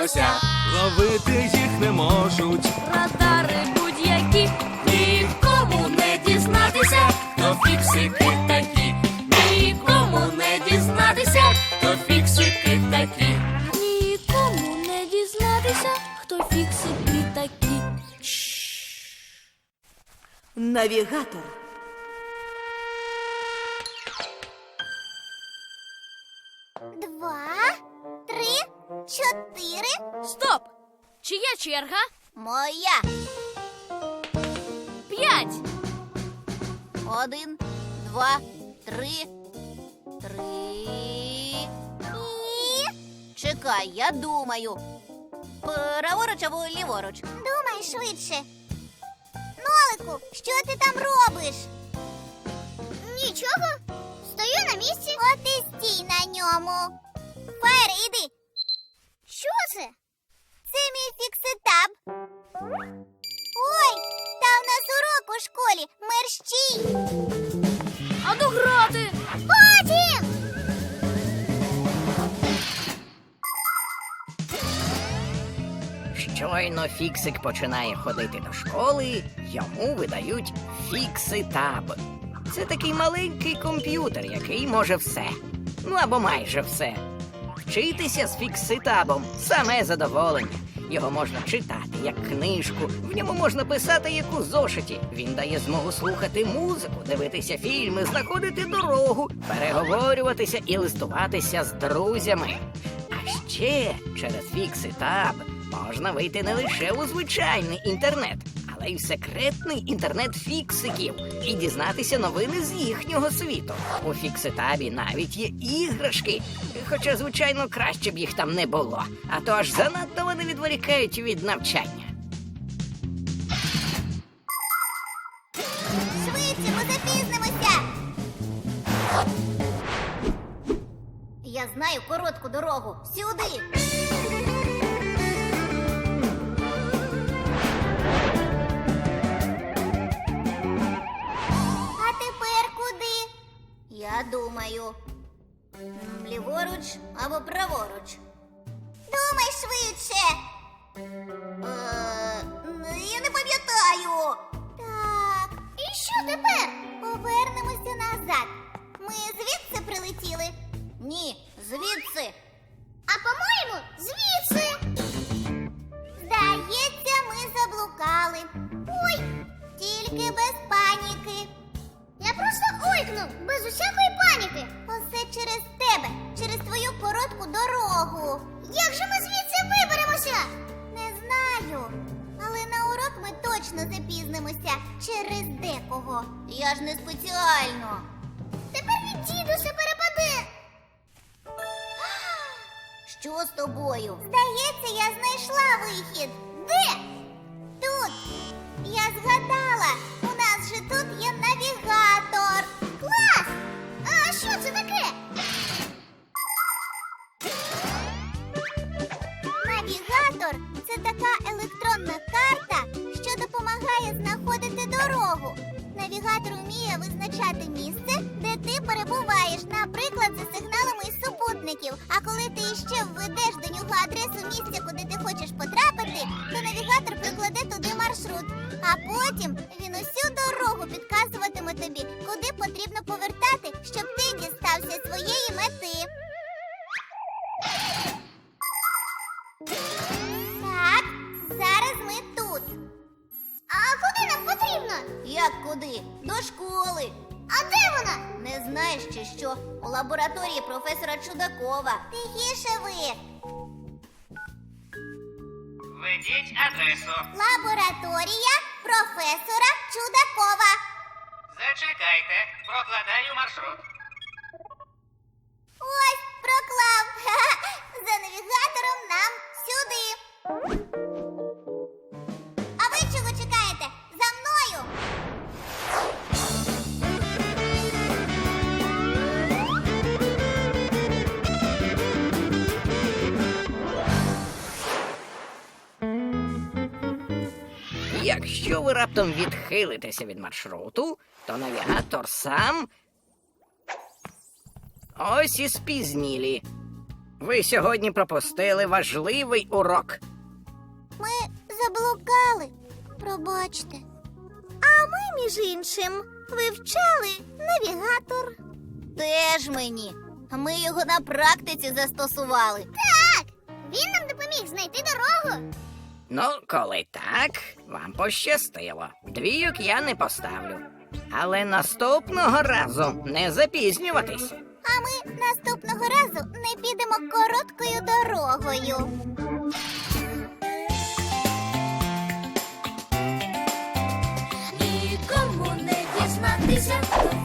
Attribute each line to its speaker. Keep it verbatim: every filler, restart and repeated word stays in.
Speaker 1: лося. Ловити їх не можуть.
Speaker 2: Радари будь-які. Нікому не дізнатися, хто фіксики такі. Нікому не дізнатися, хто фіксики такі. Нікому не дізнатися, хто фіксики такі.
Speaker 3: Навігатор.
Speaker 4: Два, три, чотири.
Speaker 2: Стоп! Чия черга?
Speaker 4: Моя.
Speaker 2: П'ять.
Speaker 4: Один, два, три. Три. І... Чекай, я думаю. Праворуч або ліворуч? Думай швидше. Нолику, що ти там робиш? Нічого. Стою на місці. От і стій на ньому. Фаєр, іди. Що це? Це мій фікситаб. Ой, та в нас урок у школі. Мерщій.
Speaker 2: А ну грати!
Speaker 4: Потім!
Speaker 5: Щойно Фіксик починає ходити до школи, йому видають фікситаб. Це такий маленький комп'ютер, який може все. Ну або майже все. Вчитися з фікситабом – саме задоволення. Його можна читати, як книжку, в ньому можна писати, як у зошиті. Він дає змогу слухати музику, дивитися фільми, знаходити дорогу, переговорюватися і листуватися з друзями. А ще через фікситаб можна вийти не лише у звичайний інтернет, але й в секретний інтернет фіксиків і дізнатися новини з їхнього світу. У фікситабі навіть є іграшки, хоча, звичайно, краще б їх там не було, а то аж занадто вони відволікають від навчання.
Speaker 4: Швидше, ми запізнимося. Я знаю коротку дорогу. Сюди. А тепер куди? Я думаю. М, Ліворуч або праворуч. Думай швидше. Е, я не пам'ятаю. Так, і що тепер? Повернемося назад. Ми звідси прилетіли? Ні, звідси. А по-моєму, звідси. Здається, ми заблукали. Ой, тільки без паніки. Я просто ойкнув, без усякої паніки. Усе через тебе, через твою коротку дорогу. Як же ми звідси виберемося? Не знаю. Але на урок ми точно запізнимося через декого. Я ж не спеціально. Тепер від дідуся перепаде. Що з тобою? Здається, я знайшла вихід. Де? Тут. Я згадала. У нас же тут є навігатор. Клас! А що це таке? Навігатор – це така електронна карта, що допомагає знаходити дорогу. Навігатор вміє визначати місце, де ти перебуваєш, наприклад, за сигналами із супутників. А коли ти іще введеш до нього адресу місця, куди ти хочеш потрапити, то навігатор прикладе туди маршрут. А потім він усю дорогу підказуватиме тобі, куди потрібно повертати, щоб ти дістався своєї мети. Так, зараз ми тут. А куди нам потрібно? Як куди? До школи. А де вона? Не знаєш чи що? У лабораторії професора Чудакова. Тихіше ви.
Speaker 6: Введіть адресу.
Speaker 4: Лабораторія професора Чудакова.
Speaker 6: Зачекайте, прокладаю маршрут.
Speaker 4: Ось, проклав. Ха-ха. За навігатором нам сюди. А ви чого чекаєте? За мною.
Speaker 5: Якщо ви раптом відхилитеся від маршруту, то навігатор сам... Ось і спізнілі. Ви сьогодні пропустили важливий урок.
Speaker 4: Ми заблукали. Пробачте. А ми, між іншим, вивчали навігатор. Теж мені. Ми його на практиці застосували. Так! Він нам допоміг знайти дорогу.
Speaker 5: Ну, коли так, вам пощастило. Двійок я не поставлю. Але наступного разу не запізнюватись.
Speaker 4: А ми наступного разу не підемо короткою дорогою.
Speaker 2: Нікому не дізнатися, хто